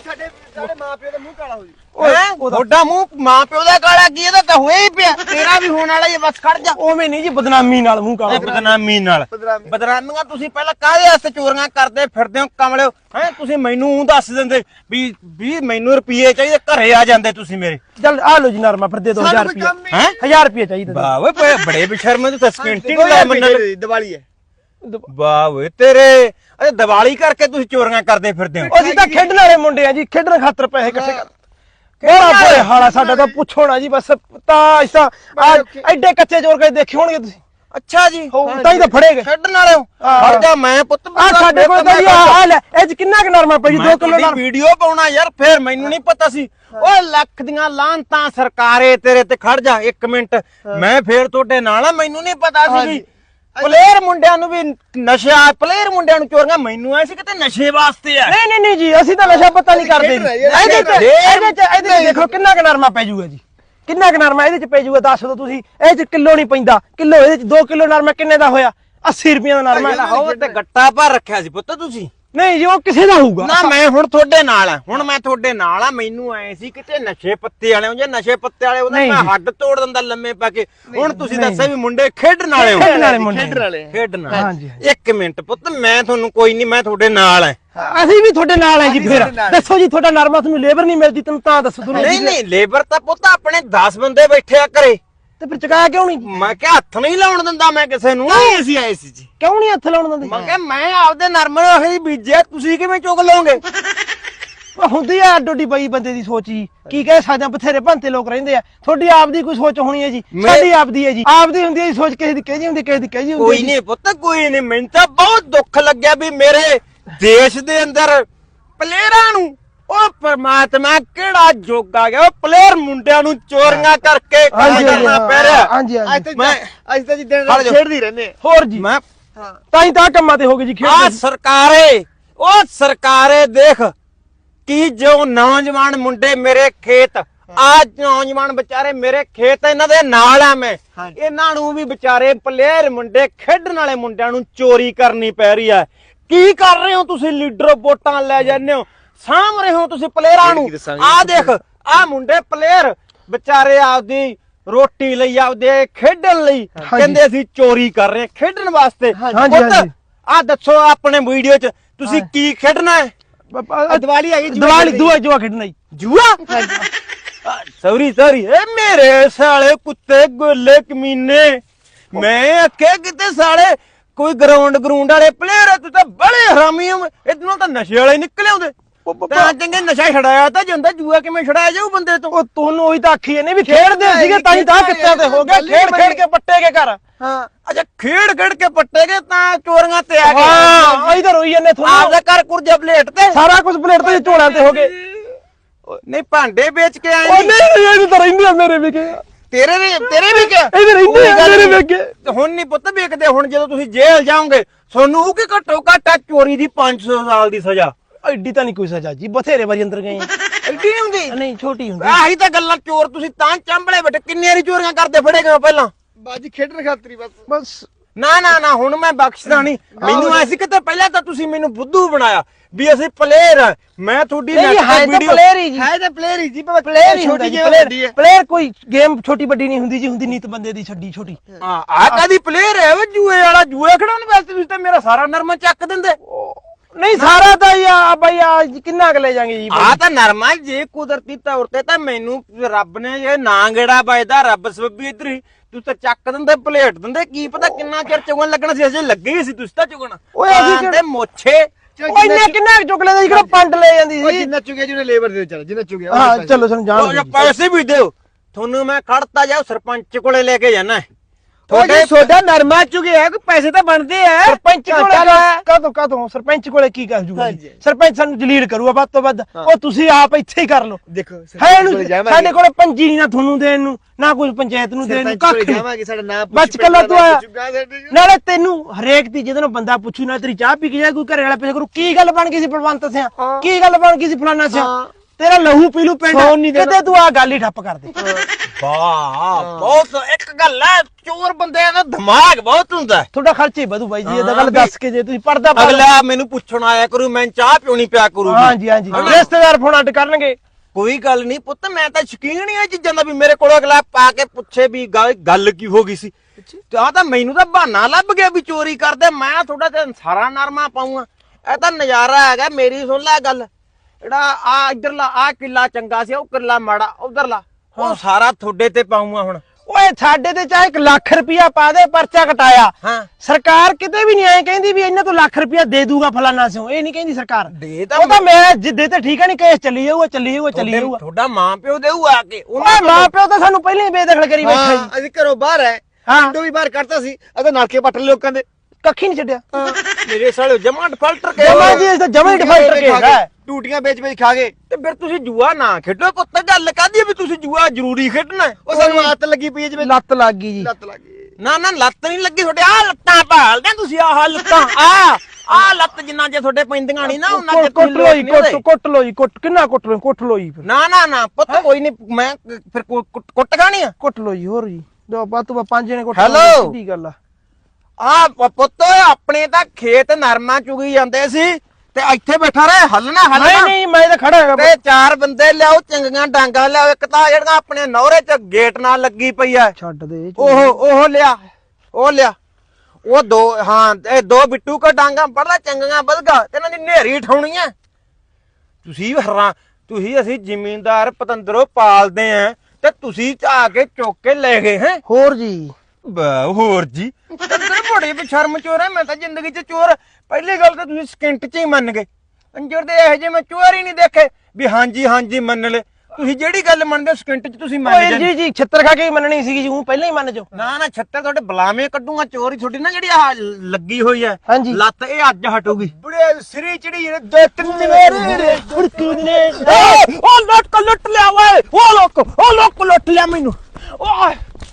B: ਸਾਡੇ ਮਾਪਿਓ ਦਾ ਮੂੰਹ ਕਾਲਾ ਹੋ ਜੂ
A: ਹੈਂ? ਤੁਹਾਡਾ ਮੂੰਹ ਮਾਂ ਪਿਓ ਦਾ ਕਾਲਾ ਕੀ ਇਹਦਾ ਤਾਂ ਹੋਇਆ ਹੀ ਪਿਆ ਤੇਰਾ ਵੀ ਹੋਣ ਵਾਲਾ ਹੀ ਆ, ਬਸ ਖੜ ਜਾ
C: ਉਵੇਂ ਨਹੀਂ ਜੀ ਬਦਨਾਮੀ ਨਾਲ ਮੂੰਹ ਕਾਲਾ
A: ਬਦਨਾਮੀ ਨਾਲ
B: ਬਦਨਾਮੀ।
A: ਬਦਨਾਮੀਆਂ ਤੁਸੀਂ ਪਹਿਲਾਂ ਕਾਹਦੇ ਵਾਸਤੇ ਚੋਰੀਆਂ ਕਰਦੇ ਫਿਰਦੇ ਹੋ ਕਮਲਿਓ ਹੈ ਤੁਸੀਂ ਮੈਨੂੰ ਊਂ ਦੱਸ ਦਿੰਦੇ ਵੀ ਵੀ ਮੈਨੂੰ ਰੁਪਏ ਚਾਹੀਦੇ ਘਰੇ ਆ ਜਾਂਦੇ ਤੁਸੀਂ ਮੇਰੇ
C: ਚੱਲ ਆ ਲਓ ਜੀ ਨਰਮਾ ਫਿਰ ਦੇ ਦੋ ਹਜ਼ਾਰ
B: ਸਾਨੂੰ ਕੋਈ
C: ਰੁਪਏ
B: ਕੰਮ ਹੀ
A: ਹੈ
C: ਹਜ਼ਾਰ ਰੁਪਏ ਚਾਹੀਦਾ ਜੀ।
A: ਵਾਹ ਓਏ ਬੜੇ ਬਿਸ਼ਰਮੇ ਤੂੰ ਤਾਂ ਸਕਿੰਟੀ
B: ਦੋ
A: ਲੈ
B: ਹਜ਼ਾਰ
A: ਮੰਨਣ
B: ਰੁਪਏ ਦੀਵਾਲੀ ਹੈ
A: ਵਾਹ ਓਏ ਤੇਰੇ ਅਰੇ ਦੀਵਾਲੀ ਕਰਕੇ ਤੁਸੀਂ ਚੋਰੀਆਂ ਕਰਦੇ ਫਿਰਦੇ ਹੋ
C: ਉਹ ਅਸੀਂ ਤਾਂ ਖੇਡਣ ਵਾਲੇ ਮੁੰਡੇ ਆ ਜੀ ਖੇਡਣ ਖਾਤਰ ਪੈਸੇ ਇਕੱਠੇ ਕਰ ਕਿਹੜਾ ਬੁਰੇ ਹਾਲਾ ਸਾਡਾ ਤਾਂ ਪੁੱਛੋ ਨਾ ਜੀ ਬਸ ਤਾਂ ਇਸਾ ਐਡੇ ਕੱਚੇ ਚੋਰ ਕੇ ਦੇਖੇ ਹੋਣਗੇ ਤੁਸੀਂ
A: ਅੱਛਾ ਜੀ
C: ਹੋ ਤਾਂ ਹੀ ਤਾਂ ਫੜੇ ਗਏ
A: ਛੱਡਣ ਵਾਲੇ ਹੋ
C: ਹਾਂ।
A: ਖੜ ਜਾ ਮੈਂ ਪੁੱਤ
C: ਆ ਸਾਡੇ ਕੋਲ ਤਾਂ ਜੀ ਆ ਲੈ ਇਹ ਚ ਕਿੰਨਾ ਕੁ ਨਰਮਾ ਪਈ ਦੋ ਕਿਲੋ ਨਰਮਾ
A: ਵੀਡੀਓ ਪਾਉਣਾ ਯਾਰ ਫੇਰ ਮੈਨੂੰ ਨਹੀਂ ਪਤਾ ਸੀ ਓਏ ਲੱਖ ਦੀਆਂ ਲਾਂਤਾਂ ਸਰਕਾਰੇ ਤੇਰੇ ਤੇ ਖੜ ਜਾ ਇੱਕ ਮਿੰਟ ਮੈਂ ਫੇਰ ਤੁਹਾਡੇ ਨਾਲ ਆ ਮੈਨੂੰ ਨਹੀਂ ਪਤਾ ਸੀ ਵੀ ਪਲੇਅਰ ਮੁੰਡਿਆਂ ਨੂੰ ਵੀ ਨਸ਼ਾ ਪਲੇਅਰ ਮੁੰਡਿਆਂ ਨੂੰ ਚੋਰੀਆਂ ਮੈਨੂੰ ਐ ਸੀ ਕਿਤੇ ਨਸ਼ੇ ਵਾਸਤੇ ਆ
C: ਨਹੀਂ ਨਹੀਂ ਨਹੀਂ ਜੀ ਅਸੀਂ ਤਾਂ ਨਸ਼ਾ ਪਤਾ ਨਹੀਂ ਕਰਦੇ ਜੀ ਇਹਦੇ ਚ ਇਹਦੇ ਚ ਇਹਦੇ ਚ ਦੇਖ ਲਓ ਕਿੰਨਾ ਕੁ ਨਰਮਾ ਪੈ ਜਾਊਗਾ ਜੀ ਕਿੰਨਾ ਕੁ ਨਰਮਾ ਇਹਦੇ ਚ ਪੈ ਜਾਊਗਾ ਦੱਸ ਦਿਓ ਤੁਸੀਂ ਇਹ ਚ ਕਿਲੋ ਨਹੀਂ ਪੈਂਦਾ ਕਿਲੋ ਇਹਦੇ ਚ ਦੋ ਕਿਲੋ ਨਰਮਾ ਕਿੰਨੇ ਦਾ ਹੋਇਆ ਅੱਸੀ ਰੁਪਏ ਦਾ ਨਰਮਾ
A: ਉਹ ਤੇ ਗੱਟਾ ਭਰ ਰੱਖਿਆ ਸੀ ਪੁੱਤ ਤੁਸੀਂ
C: ਨਹੀਂ ਜੀ ਉਹ ਕਿਸੇ ਦਾ ਹੋਊਗਾ
A: ਨਾ ਮੈਂ ਹੁਣ ਤੁਹਾਡੇ ਨਾਲ ਆ ਹੁਣ ਮੈਂ ਤੁਹਾਡੇ ਨਾਲ ਆ ਮੈਨੂੰ ਐ ਸੀ ਕਿਤੇ ਨਸ਼ੇ ਪੱਤੇ ਵਾਲੇ ਹੋ ਜੇ ਨਸ਼ੇ ਪੱਤੇ ਵਾਲੇ ਉਹਦਾ
C: ਨਹੀਂ
A: ਮੈਂ
C: ਜੀ।
A: ਹੱਡ ਤੋੜ ਦਿੰਦਾ ਲੰਮੇ ਪਾ ਕੇ ਹੁਣ ਤੁਸੀਂ
C: ਨਹੀਂ
A: ਦੱਸਿਆ ਵੀ ਮੁੰਡੇ ਖੇਡਣ ਵਾਲੇ ਹੋ
C: ਖੇਡਣ ਵਾਲੇ ਮੁੰਡੇ
B: ਖੇਡਣ ਵਾਲੇ
A: ਖੇਡਣ
C: ਹਾਂਜੀ,
A: ਵਾਲੇ
C: ਹਾਂਜੀ।
A: ਇੱਕ ਮਿੰਟ ਪੁੱਤ ਮੈਂ ਤੁਹਾਨੂੰ ਕੋਈ ਨਹੀਂ ਮੈਂ ਤੁਹਾਡੇ ਨਾਲ ਆ
C: ਅਸੀਂ ਵੀ ਤੁਹਾਡੇ ਨਾਲ ਹੈ ਜੀ
B: ਅਸੀਂ
C: ਫਿਰ
B: ਤੁਹਾਡੇ ਨਾਲ।
C: ਦੱਸੋ ਜੀ ਤੁਹਾਡਾ ਨਰਮਾ ਤੁਹਾਨੂੰ ਲੇਬਰ ਨਹੀਂ ਮਿਲਦੀ ਤੈਨੂੰ ਤਾਂ ਦੱਸੋ ਤੁਹਾਨੂੰ
A: ਨਹੀਂ ਨਹੀਂ ਲੇਬਰ ਤਾਂ ਪੁੱਤ ਆਪਣੇ ਦਸ ਬੰਦੇ ਬੈਠੇ ਆ ਘਰੇ
C: ਤੇ ਫਿਰ ਚਕਾਇਆ ਕਿਉਂ ਨਹੀਂ
A: ਮੈਂ ਕਿਹਾ ਹੱਥ ਨਹੀਂ ਲਾਉਣ ਦਿੰਦਾ ਮੈਂ ਕਿਸੇ ਨੂੰ
B: ਨਹੀਂ ਅਸੀਂ ਆਏ ਸੀ ਜੀ
C: ਕਿਉਂ ਨਹੀਂ ਹੱਥ ਲਾਉਣ ਦਿੰਦੇ
A: ਮੈਂ ਕਿਹਾ ਮੈਂ ਆਪਦੇ ਨਰਮੇ ਨੂੰ ਇਹੀ ਬੀਜਿਆ ਤੁਸੀਂ ਕਿਵੇਂ ਚੁਗ ਲਓਗੇ
C: ਉਹ ਹੁੰਦੀ ਆ ਅੱਡੋ ਡੀ ਬਈ ਬੰਦੇ ਦੀ ਸੋਚ ਜੀ ਕੀ ਕਹਿ ਸਕਦੇ ਆ ਬਥੇਰੇ ਭੰਤੇ ਲੋਕ ਰਹਿੰਦੇ ਆ ਤੁਹਾਡੀ ਆਪਦੀ ਕੋਈ ਸੋਚ ਹੋਣੀ ਹੈ ਜੀ
A: ਮੈਂ-
C: ਸਾਡੀ ਆਪਦੀ ਹੈ ਜੀ ਆਪਦੀ ਹੁੰਦੀ ਹੈ ਜੀ ਸੋਚ ਕਿਸੇ ਦੀ ਕਹੀ ਹੁੰਦੀ ਕਿਸੇ ਦੀ ਕਹੀ ਹੁੰਦੀ
A: ਕੋਈ
C: ਹੈ ਜੀ।
A: ਨਹੀਂ ਪੁੱਤ ਕੋਈ ਨਹੀਂ ਮੈਨੂੰ ਤਾਂ ਬਹੁਤ ਦੁੱਖ ਲੱਗਿਆ ਵੀ ਮੇਰੇ ਦੇਸ਼ ਦੇ ਅੰਦਰ ਪਲੇਅਰਾਂ ਨੂੰ ਉਹ ਪਰਮਾਤਮਾ ਕਿਹੜਾ ਜੋਗ ਆ ਗਿਆ ਉਹ ਪਲੇਅਰ ਮੁੰਡਿਆਂ ਨੂੰ ਚੋਰੀਆਂ ਕਰਕੇ ਕੰਮ
C: ਹਾਂਜੀ,
A: ਕਰਨਾ
C: ਹਾਂਜੀ,
A: ਪੈ ਰਿਹਾ
C: ਹਾਂਜੀ
B: ਅੱਜ
C: ਹਾਂਜੀ
B: ਤਾਂ
A: ਮੈਂ-
B: ਅੱਜ ਤਾਂ ਜੀ ਦਿਨ
A: ਖੜ
B: ਰਾਤ
A: ਜਾਓ।
B: ਖੇਡਦੇ ਹੀ ਰਹਿੰਦੇ ਆ।
C: ਹੋਰ ਜੀ
A: ਮੈਂ
B: ਹਾਂ
C: ਤਾਂ ਹੀ ਤਾਂ ਕੰਮਾਂ ਤੇ ਹੋ ਗਏ ਜੀ
A: ਆ
C: ਖੇਡ
A: ਸਰਕਾਰੇ ਉਹ ਸਰਕਾਰੇ ਦੇਖ ਕੀ ਜੋ ਨੌਜਵਾਨ ਮੁੰਡੇ ਮੇਰੇ ਖੇਤ ਆ ਨੌਜਵਾਨ ਵਿਚਾਰੇ ਮੇਰੇ ਖੇਤ ਇਹਨਾਂ ਦੇ ਨਾਲ ਆ ਮੈਂ
B: ਹਾਂਜੀ।
A: ਇਹਨਾਂ ਨੂੰ ਵੀ ਵਿਚਾਰੇ ਪਲੇਅਰ ਮੁੰਡੇ ਖੇਡਣ ਵਾਲੇ ਮੁੰਡਿਆਂ ਨੂੰ ਚੋਰੀ ਕਰਨੀ ਪੈ ਰਹੀ ਹੈ ਕੀ ਕਰ ਰਹੇ ਹੋ ਤੁਸੀਂ ਲੀਡਰ ਵੋਟਾਂ ਲੈ ਜਾਂਦੇ ਹੋ ਸਾਂਭ ਰਹੇ ਹੋ ਤੁਸੀਂ ਪਲੇਅਰਾਂ ਨੂੰ
B: ਕੀ ਦੱਸਾਂਗੇ?
A: ਆ ਦੇਖ ਆ ਮੁੰਡੇ ਪਲੇਅਰ ਵਿਚਾਰੇ ਆਪਦੀ ਰੋਟੀ ਲਈ ਆਪਦੇ ਖੇਡਣ ਲਈ ਕਹਿੰਦੇ ਅਸੀਂ ਚੋਰੀ ਕਰ ਰਹੇ ਹਾਂ ਖੇਡਣ ਵਾਸਤੇ
C: ਹਾਂਜੀ, ਹਾਂਜੀ।
A: ਆ ਦੱਸੋ ਆਪਣੇ ਵੀਡੀਓ 'ਚ ਤੁਸੀਂ ਕੀ ਖੇਡਣਾ ਹੈ
B: ਦੀਵਾਲੀ ਆ ਗਈ ਜੂਆ
C: ਦੀਵਾਲੀ
B: ਖੇਡਣੀ।
C: ਦੂਆ ਜੂਆ ਖੇਡਣਾ ਜੀ
A: ਜੂਆ ਸੌਰੀ ਸੌਰੀ ਏ ਮੇਰੇ ਸਾਲੇ ਕੁੱਤੇ ਗੋਲੇ ਕਮੀਨੇ ਮੈਂ ਆਖਿਆ ਕਿਤੇ ਸਾਲੇ ਕੋਈ ਗਰਾਊਂਡ ਗਰਾਊਂਡ ਵਾਲੇ ਪਲੇਅਰ ਤੂੰ ਤਾਂ ਬੜੇ ਹਰਾਮੀ ਹੋ ਇਦੋਂ ਤਾਂ ਨਸ਼ੇ ਵਾਲੇ ਨਿਕਲੇ ਆਉਂਦੇ ਤਾਂ ਚੰਗੇ ਨਸ਼ਾ ਛੜਾਇਆ ਤਾਂ ਜਾਂਦਾ ਜੂਆ ਕਿਵੇਂ ਛੜਾਇਆ ਜਾਊ ਬੰਦੇ ਤੋਂ
C: ਉਹ ਤੁਹਾਨੂੰ ਉਹੀ ਤਾਂ ਆਖੀ ਨੇ ਵੀ ਖੇਡਦੇ ਸੀਗੇ ਤਾਂ ਹੀ ਤਾਂ ਕਿੱਤਿਆਂ ਤੇ ਹੋ ਗਏ ਖੇਡ ਖੇਡ ਕੇ ਪੱਟੇ ਕੇ ਘਰ
B: ਹਾਂ
A: ਅੱਛਾ ਖੇਡ ਖੇਡ ਕੇ ਪੱਟੇ ਗਏ ਤਾਂ ਚੋਰੀਆਂ ਤੇ ਆ ਗਏ
C: ਹਾਂ ਇਧਰ ਹੋਈ ਜਾਂਦੇ ਤੁਹਾਨੂੰ
A: ਆਪਦਾ ਘਰ ਕੁਰਜਾ ਪਲੇਟ ਤੇ
C: ਸਾਰਾ ਕੁਝ ਪਲੇਟ ਤੇ ਝੋਲਿਆਂ ਤੇ ਹੋ ਗਏ
A: ਨਹੀਂ ਭਾਂਡੇ ਵੇਚ ਕੇ ਆਏ
C: ਉਹ
A: ਨੀ।
C: ਨਹੀਂ ਨਹੀਂ ਇਹ ਤਾਂ ਰਹਿੰਦੇ ਆ ਮੇਰੇ ਵੀ ਕੇ
A: ਤੇਰੇ ਵੀ ਤੇਰੇ ਵੀ ਕਿਆ
C: ਇਹਦੇ ਰਹਿੰਦੇ ਆ ਮੇਰੇ ਵੀ ਕੇ
A: ਤੇ ਹੁਣ ਨਹੀਂ ਪੁੱਤ ਵੇਖਦੇ ਹੁਣ ਜਦੋਂ ਤੁਸੀਂ ਜੇਲ੍ਹ ਜਾਓਗੇ ਤੁਹਾਨੂੰ ਉਹ ਕੀ ਘੱਟੋ ਘੱਟ ਆ ਚੋਰੀ ਦੀ ਪੰਜ ਸੌ ਸਾਲ ਦੀ ਸਜ਼ਾ
C: ਐਡੀ ਤਾਂ ਨਹੀਂ ਕੋਈ ਸਜ਼ਾ ਜੀ ਬਥੇਰੇ ਵਾਰੀ ਅੰਦਰ ਗਏ ਆ
A: ਐਡੀ ਨਹੀਂ ਹੁੰਦੀ
C: ਨਹੀਂ ਛੋਟੀ ਹੁੰਦੀ
A: ਆਹੀ ਤਾਂ ਗੱਲਾਂ ਚੋਰ ਤੁਸੀਂ ਤਾਂ ਚੰਬਲੇ ਬੈਠੇ ਕਿੰਨੇ ਵਾਰੀ ਚੋਰੀਆਂ ਕਰਦੇ ਫੜੇ ਗਏ ਹੋ ਪਹਿਲਾਂ
B: ਬਾਜੀ ਖੇਡਣ ਖਾਤਰੀ ਬਸ
C: ਬਸ
A: ਨਾ ਨਾ ਨਾ ਹੁਣ ਮੈਂ ਬਖਸ਼ਦਾ ਨਹੀਂ ਮੈਨੂੰ ਐਸੀ ਕਿਤੇ ਪਹਿਲਾਂ ਤਾਂ ਤੁਸੀਂ ਮੈਨੂੰ ਬੁੱਧੂ ਬਣਾਇਆ ਵੀ ਅਸੀਂ ਪਲੇਅਰ ਆ ਮੈਂ ਤੁਹਾਡੀ
C: ਨਹੀਂ
A: net
C: ਹੈ
A: ਤੇ
C: ਤਾਂ
A: video-
C: ਪਲੇਅਰ ਹੀ ਜੀ
B: ਹੈ ਤਾਂ ਪਲੇਅਰ ਹੀ ਜੀ ਪਰ
C: ਪਲੇਅਰ ਹੀ
B: ਛੋਟੀ
C: ਛੋਟੀ
B: ਜਿਹੀ
C: ਪਲੇਅਰ
B: ਹੁੰਦੀ ਹੈ
C: ਪਲੇਅਰ ਕੋਈ ਗੇਮ ਛੋਟੀ ਵੱਡੀ ਨਹੀਂ ਹੁੰਦੀ ਜੀ ਹੁੰਦੀ ਨੀਤ ਬੰਦੇ ਦੀ ਛੱਡੀ ਛੋਟੀ
A: ਹਾਂ ਆ ਕਾਦੀ ਪਲੇਅਰ ਹੈ ਵੇ ਜੂਏ ਵਾਲਾ ਜੂਏ ਖੜਾਉਣ ਵਾਸਤੇ ਤੁਸੀਂ ਤਾਂ ਮੇਰਾ ਸਾਰਾ ਨਰਮਾ ਚੱਕ ਦਿੰਦੇ
C: ਨਹੀਂ ਸਾਰਾ ਤਾਂ ਯਾ ਬਾਈ ਆ ਕਿੰਨਾ ਕੁ ਲੈ ਜਾਾਂਗੇ ਜੀ
A: ਆ ਤਾਂ ਨਰਮਾ ਜੇ ਕੁਦਰਤੀ ਤੌਰ ਤੇ ਤਾਂ ਮੈਨੂੰ ਰੱਬ ਨੇ ਇਹ ਨਾਂ ਗੇੜਾ ਵੱਜਦਾ ਰੱਬ ਸਬੱਬੀ ਇਧਰ ਹੀ ਤੁਸੀਂ ਤਾਂ ਚੱਕ ਦਿੰਦੇ ਪਲੇਟ ਦਿੰਦੇ ਕੀ ਪਤਾ ਕਿੰਨਾ ਚਿਰ ਚੁਗਣ ਲੱਗਣਾ ਸੀ ਅਜੇ ਲੱਗੇ ਹੀ ਸੀ ਤੁਸੀਂ ਤਾਂ ਚੁਗਣ
C: ਓਏ ਅਸੀਂ
A: ਕਾਂ ਦੇ ਮੋਛੇ
C: ਉਹ ਇੰਨੇ ਕਿੰਨਾ ਕੁ ਚੁੱਕ ਲੈਂਦਾ ਜੀ ਕਿਹੜਾ ਪੰਡ ਲੈ ਜਾਂਦੀ
B: ਉਹ
C: ਸੀ
B: ਜਿੰਨਾ ਚੁਗਿਆ ਜਿਹਨੇ ਲੇਬਰ ਦੇ ਚੱਲ ਜਿੰਨਾ ਚੁਗਿਆ
C: ਹਾਂ ਚਲੋ ਸਾਨੂੰ ਜਾਣ
A: ਉਹ
C: ਦਿਓ
A: ਜੇ ਪੈਸੇ ਵੀ ਦਿਓ ਤੁਹਾਨੂੰ ਮੈਂ ਖੜਤਾ ਜਾਓ ਸਰਪੰਚ ਕੋਲੇ ਲੈ ਕੇ ਜਾਣਾ
B: ਤੁਹਾਡੇ ਛੋਟਾ ਨਰਮਾ ਚੁਗਿਆ ਕੋਈ ਪੈਸੇ ਤਾਂ ਬਣਦੇ ਆ
C: ਸਰਪੰਚ ਕੋਲੇ
B: ਘੰਟਾ
C: ਕਾਹਤੋਂ ਕਾਹਤੋਂ ਸਰਪੰਚ ਕੋਲੇ ਕੀ ਕਰ ਜੂਗਾ
B: ਹਾਂਜੀ।
C: ਸਰਪੰਚ ਸਾਨੂੰ ਜਲੀਲ ਕਰੂਗਾ ਵੱਧ ਤੋਂ ਵੱਧ ਉਹ ਤੁਸੀਂ ਆਪ ਇੱਥੇ ਹੀ ਕਰ ਲਓ
B: ਦੇਖੋ
C: ਹੈ
B: ਸਰਪੰਚ
C: ਇਹਨੂੰ
B: ਕੋਲੇ ਜਾਵਾਂਗੇ।
C: ਸਾਡੇ ਕੋਲੇ ਪੰਜੀ ਨਹੀਂ ਨਾ ਤੁਹਾਨੂੰ ਦੇਣ ਨੂੰ ਨਾ ਕੋਈ ਪੰਚਾਇਤ ਨੂੰ ਦੇਣ ਨੂੰ
B: ਸਰਪੰਚ ਕੋਲੇ
C: ਕੱਖ ਨਹੀਂ
B: ਜਾਵਾਂਗੇ ਸਾਡਾ ਨਾਮ
C: ਬਸ ਕੱਲਾ ਤੂੰ ਆਇਆ ਨਾਲੇ ਤੈਨੂੰ ਹਰੇਕ ਦੀ ਜਦੋਂ ਬੰਦਾ ਪੁੱਛੂ ਨਾ ਤੇਰੀ ਚਾਹ ਪੀ ਕੇ ਜਾ ਕੋਈ ਘਰੇ ਵਾਲਾ ਪੁੱਛੇ ਕਰੂ ਕੀ ਗੱਲ ਬਣ ਗਈ ਸੀ ਬਲਵੰਤ ਸਿਆ ਕੀ ਗੱਲ ਬਣ ਗਈ ਸੀ ਫਲਾਨਾ ਸਿਆ ਤੇਰਾ ਲਹੂ ਪੀਲੂ ਪਿੰਡ
B: ਸੌਣ ਨਹੀਂ ਦੇਣਾ।
C: ਕਿਤੇ ਤੂੰ ਆ ਗੱਲ ਹੀ ਠੱਪ ਕਰ ਦੇ।
A: ਵਾਹ ਬਹੁਤ ਇੱਕ ਗੱਲ ਹੈ, ਚੋਰ ਬੰਦਿਆਂ ਦਾ ਦਿਮਾਗ ਬਹੁਤ ਹੁੰਦਾ।
C: ਤੁਹਾਡਾ ਖਰਚੇ ਵਧੂ ਬਾਈ ਜੀ, ਇਹ ਤਾਂ
A: ਹਾਂ,
C: ਗੱਲ
A: ਵੀ-
C: ਦੱਸ ਕੇ ਜੇ ਤੁਸੀਂ ਪਰਦਾ ਪਾ
A: ਅਗਲਾ ਮੈਨੂੰ ਪੁੱਛਣ ਆਇਆ ਕਰੂ, ਮੈਂ ਚਾਹ ਪਿਉਣੀ ਪਿਆ ਕਰੂ।
C: ਹਾਂਜੀ ਹਾਂਜੀ ਰਿਸ਼ਤੇਦਾਰ ਫੋਨ ਅੱਡ ਕਰਨਗੇ।
A: ਕੋਈ ਗੱਲ ਨਹੀਂ ਪੁੱਤ, ਮੈਂ ਤਾਂ ਸ਼ੌਕੀਨ ਹੀ ਆ ਚੀਜ਼ਾਂ ਦਾ, ਵੀ ਮੇਰੇ ਕੋਲ ਅਗਲਾ ਪਾ ਕੇ ਪੁੱਛੇ ਵੀ ਗੱਲ ਗੱਲ ਕੀ ਹੋ ਗਈ ਸੀ। ਆ ਤਾਂ ਮੈਨੂੰ ਤਾਂ ਬਹਾਨਾ ਲੱਭ ਗਿਆ ਵੀ ਚੋਰੀ ਕਰਦੇ, ਮੈਂ ਥੋੜਾ ਤੇ ਸਾਰਾ ਨਰਮਾ ਪਾਉਂਗਾ। ਇਹ ਤਾਂ ਨਜ਼ਾਰਾ ਹੈਗਾ। ਮੇਰੀ ਸੁਣ ਲੈ ਗੱਲ, ਜਿਹੜਾ ਆ ਇਧਰਲਾ ਆ ਕਿੱਲਾ ਚੰਗਾ ਸੀ, ਉਹ ਕਿੱਲਾ ਮਾੜਾ ਉਧਰਲਾ, ਉਹ ਸਾਰਾ ਤੁਹਾਡੇ ਤੇ ਪਾਉਂਗਾ ਹੁਣ।
C: ਓਏ ਸਾਡੇ ਤੇ ਚਾਹੇ ਇੱਕ ਲੱਖ ਰੁਪਇਆ ਪਾ ਦੇ, ਪਰਚਾ ਕਟਾਇਆ।
A: ਹਾਂ
C: ਸਰਕਾਰ ਕਿਤੇ ਵੀ ਨਹੀਂ ਆਏ ਕਹਿੰਦੀ ਵੀ ਇਹਨਾਂ ਤੋਂ ਲੱਖ ਰੁਪਇਆ ਦੇ ਦੂਗਾ ਫਲਾਨਾ ਸਿਓ, ਇਹ ਨਹੀਂ ਕਹਿੰਦੀ ਸਰਕਾਰ।
A: ਦੇ ਤਾਂ
C: ਉਹ ਤਾਂ ਮੈਂ ਜਿੱਦੇ ਤੇ ਠੀਕ ਆ, ਨਹੀਂ ਕੇਸ ਚੱਲੀ ਜਾਊਗਾ ਚੱਲੀ ਜਾਊਗਾ ਚੱਲੀ ਜਾਊਗਾ।
A: ਤੁਹਾਡਾ ਮਾਂ ਪਿਓ ਦੇਊ ਆ ਕੇ
C: ਓਏ ਮਾਂ ਪਿਓ ਤਾਂ ਸਾਨੂੰ ਪਹਿਲਾਂ ਹੀ ਬੇਦਖਲ ਕਰੀ ਬੈਠਾ ਜੀ।
B: ਅਸੀਂ ਘਰੋਂ ਬਾਹਰ ਹੈ,
C: ਹਾਂ
B: ਪਿੰਡੋਂ ਵੀ ਬਾਹਰ ਕੱਢਤਾ ਸੀ, ਅਗਰ ਨਲਕੇ ਪੱਟ ਲਏ ਲੋਕਾਂ ਦੇ।
C: ਕੱਖੀ ਨਹੀਂ ਛੱਡਿਆ
A: ਮੇਰੇ ਸਾਲੇ ਜਮਾਂ ਡਿਫਾਲਟਰ ਕੇ
C: ਜਮਾ ਜੀ ਇਸ ਤਾਂ ਜਮਾ ਹੀ ਡਿਫਾਲਟਰ ਕੇ ਹੈਗਾ।
B: ਟੂਟੀਆਂ ਵੇਚ ਵੇਚ ਖਾ ਗਏ।
A: ਤੇ ਫਿਰ ਤੁਸੀਂ ਜੂਆ ਨਾ ਖੇਡੋ ਪੁੱਤ। ਗੱਲ ਕਾਦੀ ਵੀ ਤੁਸੀਂ ਜੂਆ ਜ਼ਰੂਰੀ ਖੇਡਣਾ ਹੈ?
B: ਉਹ ਸਾਨੂੰ ਆਦਤ ਲੱਗੀ ਪਈ ਹੈ ਜਿਵੇਂ
C: ਲੱਤ ਲੱਗ ਗਈ ਜੀ।
B: ਲੱਤ ਲੱਗ ਗਈ।
A: ਨਾ ਨਾ ਲੱਤ ਨਹੀਂ ਲੱਗੀ ਤੁਹਾਡੇ, ਆ ਲੱਤਾਂ ਭਾਲਦੇ ਤੁਸੀਂ, ਆਹ ਲੱਤਾਂ ਆ ਆ ਲੱਤ ਜਿੰਨਾ ਜੇ ਤੁਹਾਡੇ ਪੈਂਦੀਆਂ ਨਹੀਂ ਨਾ ਉਹਨਾਂ ਚ
C: ਕੁੱਟ ਲੋ ਜੀ, ਕੁੱਟ ਕੁੱਟ ਲੋ ਜੀ, ਕੁੱਟ ਕਿੰਨਾ ਕੁੱਟ ਲੋ, ਕੁੱਟ ਲੋ ਜੀ ਫਿਰ।
A: ਨਾ ਨਾ ਨਾ ਪੁੱਤ ਕੋਈ ਨਹੀਂ, ਮੈਂ ਫਿਰ ਕੁ- ਕੁੱਟ ਕੁੱਟ ਖਾਣੀ ਆ।
C: ਕੁੱਟ ਲੋ ਜੀ, ਹੋਰ ਜੀ ਦੋ ਬਾਤ ਤੋਂ ਪੰਜ ਜਣੇ ਕੁੱਟ
A: Hello?
C: ਲਓ, ਸਿੱਧੀ ਗੱਲ ਆ।
A: ਆ ਪੁੱਤ ਆਪਣੇ ਤਾਂ ਖੇਤ ਨਰਮਾ ਚੁਗੀ ਜਾਂਦੇ ਸੀ, ਤੇ ਇੱਥੇ ਬੈਠਾ ਰਹੇ ਹੱਲਣਾ
C: ਨਹੀਂ
A: ਹੱਲਣਾ।
C: ਨਹੀਂ ਮੈਂ ਤਾਂ ਖੜਾ ਹੈਗਾ।
A: ਤੇ ਚਾਰ ਬੰਦੇ ਲਿਆਓ, ਚੰਗੀਆਂ ਡਾਂਗਾ ਲਿਆਓ। ਇੱਕ ਤਾਂ ਜਿਹੜੀਆਂ ਆਪਣੇ ਨੌਰੇ ਚ ਗੇਟ ਨਾਲ ਲੱਗੀ ਪਈ ਆ,
C: ਛੱਡ ਦੇ
A: ਉਹ ਉਹ ਲਿਆ, ਉਹ ਲਿਆ। ਉਹ ਦੋ, ਹਾਂ ਇਹ ਦੋ ਬਿੱਟੂ ਕੋ ਡਾਂਗਾ ਪੜਦਾ ਚੰਗੀਆਂ ਬਦਗਾ, ਤੇ ਇਹਨਾਂ ਦੀ ਨੇਰੀ ਠਾਉਣੀ ਆ। ਤੁਸੀਂ ਹਰਾਂ ਤੁਸੀਂ ਅਸੀਂ ਜ਼ਿਮੀਂਦਾਰ ਪਤੰਦਰੋਂ ਪਾਲਦੇ ਆ, ਤੇ ਤੁਸੀਂ ਆ ਕੇ ਚੁੱਕ ਕੇ ਲੈ ਗਏ ਹੈ।
C: ਹੋਰ ਜੀ
A: ਹੋਰ ਜੀ ਅੰਦਰ ਬੜੇ ਬੇਸ਼ਰਮ ਚੋਰ ਹੈ। ਮੈਂ ਤਾਂ ਜ਼ਿੰਦਗੀ 'ਚ ਚੋਰ ਪਹਿਲੀ ਗੱਲ ਤਾਂ ਤੁਸੀਂ ਸਕਿੰਟ 'ਚ ਹੀ ਮੰਨ ਗਏ। ਅੰਜਰ ਦੇ ਇਹੋ ਜਿਹੇ ਮੈਂ ਚੋਰ ਹੀ ਨਹੀਂ ਦੇਖੇ ਵੀ ਹਾਂਜੀ ਹਾਂਜੀ ਮੰਨ ਲੈ। ਤੁਸੀਂ ਜਿਹੜੀ ਗੱਲ ਮੰਨਦੇ ਹੋ ਸਕਿੰਟ 'ਚ ਤੁਸੀਂ ਮੰਨ
C: ਓਏ
A: ਜਾਂਦੇ।
C: ਜੀ ਜੀ ਛਿੱਤਰ ਖਾ ਕੇ ਹੀ ਮੰਨਣੀ ਸੀਗੀ ਜੀ, ਉਹ ਪਹਿਲਾਂ ਹੀ ਮੰਨ ਜਾਓ।
A: ਨਾ ਨਾ ਛੱਤਰ ਤੁਹਾਡੇ ਬਲਾਵੇਂ ਕੱਢੂਗਾ। ਚੋਰੀ ਤੁਹਾਡੀ ਨਾ ਜਿਹੜੀ ਆਹ ਲੱਗੀ ਹੋਈ ਹੈ
C: ਹਾਂਜੀ।
A: ਲੱਤ, ਇਹ ਅੱਜ ਹਟੂਗੀ।
B: ਬੁੜੇ ਸਿਰੀ ਚੜੀ ਜਿਹੜੇ ਦੋ ਤਿੰਨ ਮੇਰੇ
C: ਫੁਰਕੂਨੇ
A: ਉਹ ਲੁੱਟ ਲੁੱਟ ਲਿਆ ਓਏ, ਉਹ ਲੋਕ ਉਹ ਲੋਕ ਲੁੱਟ ਲਿਆ ਮੈਨੂੰ। ਓਏ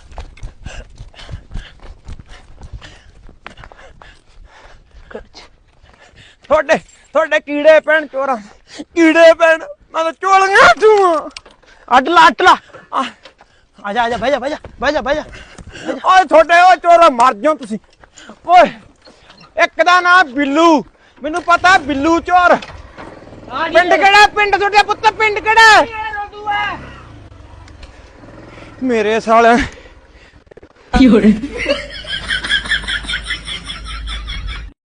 A: ਤੁਹਾਡੇ ਤੁਹਾਡੇ ਕੀੜੇ ਪੈਣ ਚੋਰਾਂ, ਕੀੜੇ ਪੈਣ। ਮੈਂ ਤਾਂ ਚੋਲੀਆਂ ਤੂੰ
C: ਅੱਡ ਲਾ ਅੱਡ ਲਾ ਆ ਜਾ ਆ ਜਾ ਬਹਿ ਜਾ ਬਹਿ ਜਾ ਬਹਿ ਜਾ ਬਹਿ ਜਾ।
A: ਓਏ ਤੁਹਾਡੇ ਉਹ ਚੋਰਾ ਮਰ ਜਾਓ ਤੁਸੀਂ। ਓਏ ਇੱਕ ਦਾ ਨਾਮ ਬਿੱਲੂ, ਮੈਨੂੰ ਪਤਾ ਬਿੱਲੂ ਚੋਰ। ਪਿੰਡ ਕਿਹੜਾ? ਪਿੰਡ ਤੁਹਾਡੇ ਪੁੱਤ ਪਿੰਡ ਕਿਹੜਾ? ਮੇਰੇ ਸਾਲੇ